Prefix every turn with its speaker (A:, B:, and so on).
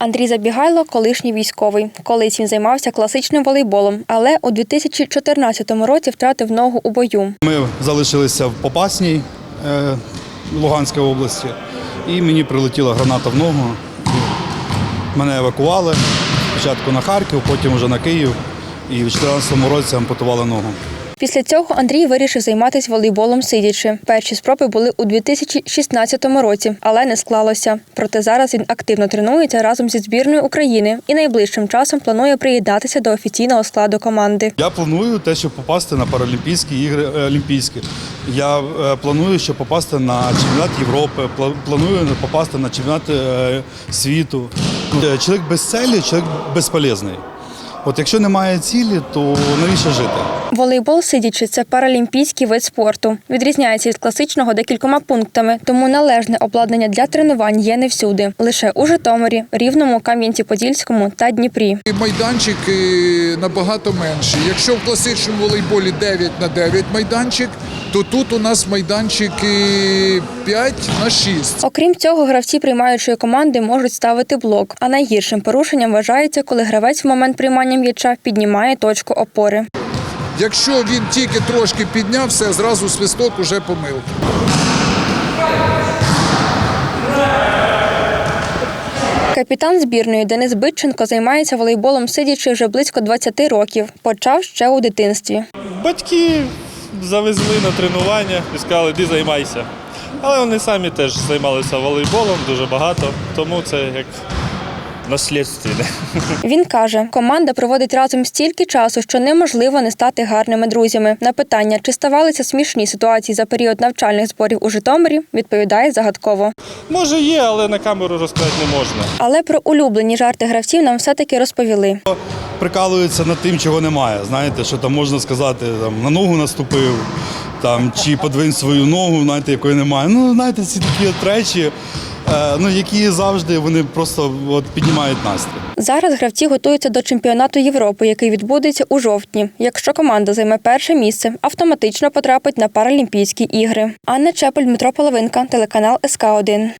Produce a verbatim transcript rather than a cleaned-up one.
A: Андрій Забігайло – колишній військовий. Колись він займався класичним волейболом, але у дві тисячі чотирнадцятому році втратив ногу у бою.
B: Ми залишилися в Попасній, е, Луганської області, і мені прилетіла граната в ногу. Мене евакували спочатку на Харків, потім вже на Київ, і в дві тисячі чотирнадцятому році ампутували ногу.
A: Після цього Андрій вирішив займатися волейболом сидячи. Перші спроби були у дві тисячі шістнадцятому році, але не склалося. Проте зараз він активно тренується разом зі збірною України і найближчим часом планує приєднатися до офіційного складу команди.
B: Я планую те, щоб попасти на Паралімпійські ігри олімпійські. Я е, планую, щоб попасти на чемпіонат Європи, пла- планую попасти на чемпіонат е, світу. Е, Чоловік без цілі, чоловік безполезний. От якщо немає цілі, то навіщо жити?
A: Волейбол сидячи – це паралімпійський вид спорту. Відрізняється від класичного декількома пунктами, тому належне обладнання для тренувань є не всюди. Лише у Житомирі, Рівному, Кам'янці-Подільському та Дніпрі.
C: Майданчики набагато менші. Якщо в класичному волейболі дев'ять на дев'ять майданчик, то тут у нас майданчики п'ять на шість.
A: Окрім цього, гравці приймаючої команди можуть ставити блок, а найгіршим порушенням вважається, коли гравець в момент приймання м'яча піднімає точку опори.
C: Якщо він тільки трошки підняв, все, зразу свисток, уже помилка.
A: Капітан збірної Денис Битченко займається волейболом сидячи вже близько двадцяти років. Почав ще у дитинстві.
D: Батьки завезли на тренування і сказали, іди займайся. Але вони самі теж займалися волейболом дуже багато, тому це як наслідственне.
A: Він каже, команда проводить разом стільки часу, що неможливо не стати гарними друзями. На питання, чи ставалися смішні ситуації за період навчальних зборів у Житомирі, відповідає загадково.
D: Може є, але на камеру розказати не можна.
A: Але про улюблені жарти гравців нам все-таки розповіли.
B: Прикалуються над тим, чого немає. Знаєте, що там можна сказати, там, на ногу наступив, там, чи подвинь свою ногу, знаєте, якої немає. Ну, знаєте, ці такі от речі, е, ну, які завжди вони просто от, піднімають настрій.
A: Зараз гравці готуються до чемпіонату Європи, який відбудеться у жовтні. Якщо команда займе перше місце, автоматично потрапить на Паралімпійські ігри. Анна Чепель, Дмитро Половинка, телеканал ес ка один.